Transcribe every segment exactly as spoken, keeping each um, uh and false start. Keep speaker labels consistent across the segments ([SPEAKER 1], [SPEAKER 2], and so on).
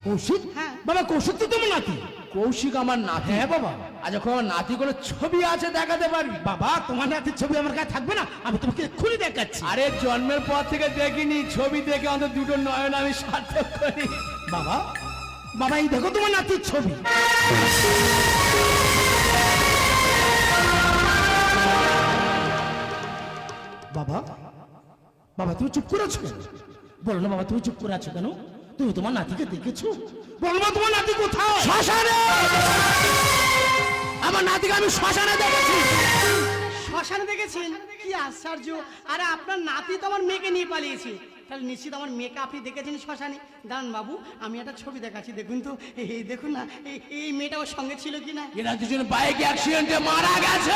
[SPEAKER 1] কৌশিক?
[SPEAKER 2] হ্যাঁ।
[SPEAKER 1] বাবা কৌশিক তো তোমার নাতি।
[SPEAKER 3] কৌশিক আমার নাতি?
[SPEAKER 1] হ্যাঁ বাবা।
[SPEAKER 3] আজ যখন আমার নাতি কোনো ছবি আছে দেখাতে পারবি?
[SPEAKER 1] বাবা তোমার নাতির ছবি আমার কাছে থাকবে না? আমি তোমাকে এক্ষুনি দেখাচ্ছি।
[SPEAKER 3] আরে জন্মের পর থেকে দেখিনি, ছবি দেখে অন্তত দুটো নয়ন আমি সার্থক করি।
[SPEAKER 1] বাবা বাবা এই দেখো তোমার নাতির ছবি। বাবা বাবা তুমি চুপ করে আছো কেন? বলো না বাবা তুমি চুপ করে আছো কেন? তুমি তোমার নাতিকে দেখেছো? বলো না তোমার নাতি কোথায়?
[SPEAKER 3] শ্মশানে! আমার নাতিকে আমি শ্মশানে দেখেছি।
[SPEAKER 2] শ্মশানে দেখেছেন? কি আশ্চর্য! আরে আপনার নাতি তো আমার মেয়েকে নিয়ে পালিয়েছে, তাহলে নিশ্চিত আমার মেয়েকে আপনি দেখেছেন শ্মশানে। দাঁড়ান বাবু, আমি একটা ছবি দেখাচ্ছি, দেখুন তো। এই দেখুন না, এই এই মেয়েটা ওর সঙ্গে ছিল কিনা।
[SPEAKER 3] এরা দুজন বাইক অ্যাক্সিডেন্টে মারা গেছে।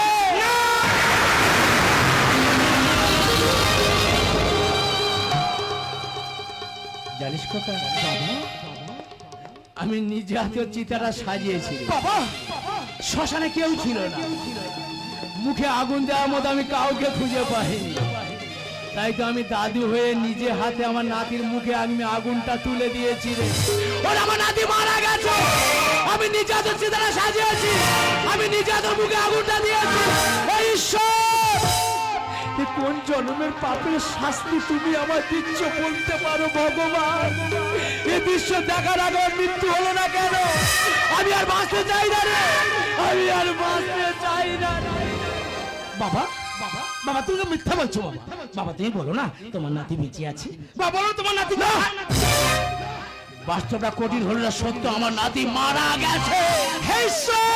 [SPEAKER 3] জানিস কথা বাবা, আমি নিজে হাতে চিতাটা সাজিয়েছি।
[SPEAKER 1] বাবা
[SPEAKER 3] শ্মশানে কেউ ছিল না, মুখে আগুন দেওয়ার মতো আমি কাউকে খুঁজে পাইনি। তাই তো আমি দাদু হয়ে নিজে হাতে আমার নাতির মুখে আমি আগুনটা তুলে দিয়েছি রে। ওর আমার নাতি মারা গেছে, আমি নিজে হাতে চিতাটা সাজিয়েছি, আমি নিজে হাতে মুখে আগুনটা দিয়েছি। এই ঈশ্বর, এ কোন জন্মের পাপের শাস্তি তুমি আমার দিচ্ছ বলতে পারো ভগবান? এই দৃশ্য দেখার আগে ওর মৃত্যু হলো না কেন? আমি আর বাঁচতে চাই না রে, আমি আর বাঁচতে চাই না।
[SPEAKER 1] বাবা বাবা বাবা তুমি তো মিথ্যা বলছো। বাবা বাবা তুমি বলো না তোমার নাতি বেঁচে আছে। বাবা বলো তোমার নাতি না।
[SPEAKER 3] বাস্তবটা কঠিন হলো না সত্য, আমার নাতি মারা গেছে। হে ঈশ্বর,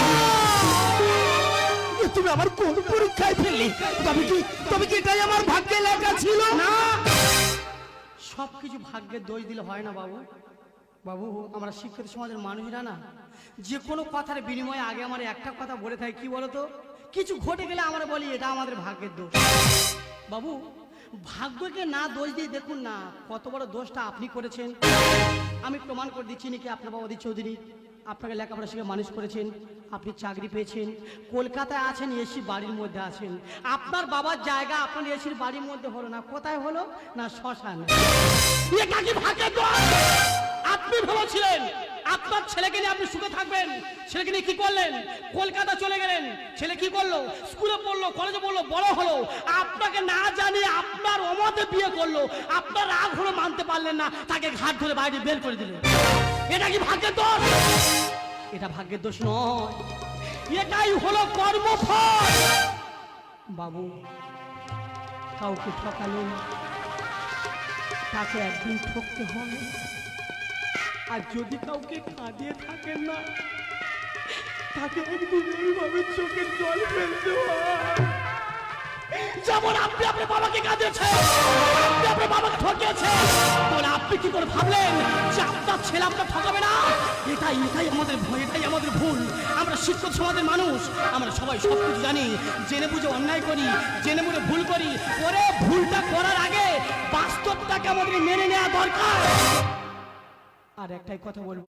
[SPEAKER 1] এ তুমি আমার কোন পরীক্ষায় ফেললে? তবে কি তবে কি এটাই আমার ভাগ্যে লেখা ছিল?
[SPEAKER 2] না, সবকিছু ভাগ্যের দোষ দিলে হয় না বাবু। বাবু আমরা শিক্ষিত সমাজের মানুষরা না, যে কোনো কথার বিনিময়ে আগে আমার একটা কথা বলে থাকি, কি বলতো? কিছু ঘটে গেলে আমরা বলি এটা আমাদের ভাগ্যের দোষ। বাবু ভাগ্যকে না দোষ দিয়ে দেখুন না কত বড় দোষটা আপনি করেছেন। আমি প্রমাণ করে দিচ্ছি নাকি আপনার বাবা অধীর চৌধুরী আপনাকে লেখাপড়া শিখে মানুষ করেছেন, আপনি চাকরি পেয়েছেন, কলকাতায় আছেন, এসি বাড়ির মধ্যে আছেন। আপনার বাবার জায়গা আপনার এসির বাড়ির মধ্যে হলো না, কোথায় হলো না শ্মশান। এটা কি ভাগ্যের দোষ? আপনি ভেবেছিলেন আপনার ছেলেকে নিয়ে আপনি সুখে থাকবেন, ছেলেকে নিয়ে কি করলেন? কলকাতা চলে গেলেন। ছেলে কি করলো? স্কুলে পড়লো, কলেজে পড়লো, বড় হলো, আপনাকে না জানিয়ে আপনার অমতে বিয়ে করলো। আপনার রাগ হলো মানতে পারলেন না, তাকে ঘাট ধরে বাইরে বের করে দিলেন। এটা কি ভাগ্যের দোষ? এটা ভাগ্যের দোষ নয়, এটাই হলো কর্মফল। বাবু কাউকে ঠকালেন, তাকে একদিন ঠকতে হবে। আর যদি কাউকে কাঁদিয়ে থাকেন না, তাকে একদিন এইভাবে চোখের জল ফেলতে হয়। যেমন আপনি আপনার বাবাকে কাঁদিয়েছেন, আপনি আপনার বাবাকে ঠকিয়েছেন, তাহলে আপনি কি করে ভাবলেন যে আপনার ছেলে আপনার ঠকাবে না? এটাই এটাই আমাদের ভয়, এটাই আমাদের ভুল। আমরা শিক্ষিত সমাজের মানুষ, আমরা সবাই সব কিছু জানি, জেনে বুঝে অন্যায় করি, জেনে বুঝে ভুল করি। ওরে ভুলটা করার আগে বাস্তবটাকে আমাদের মেনে নেওয়া দরকার। আর একটাই কথা বলবো,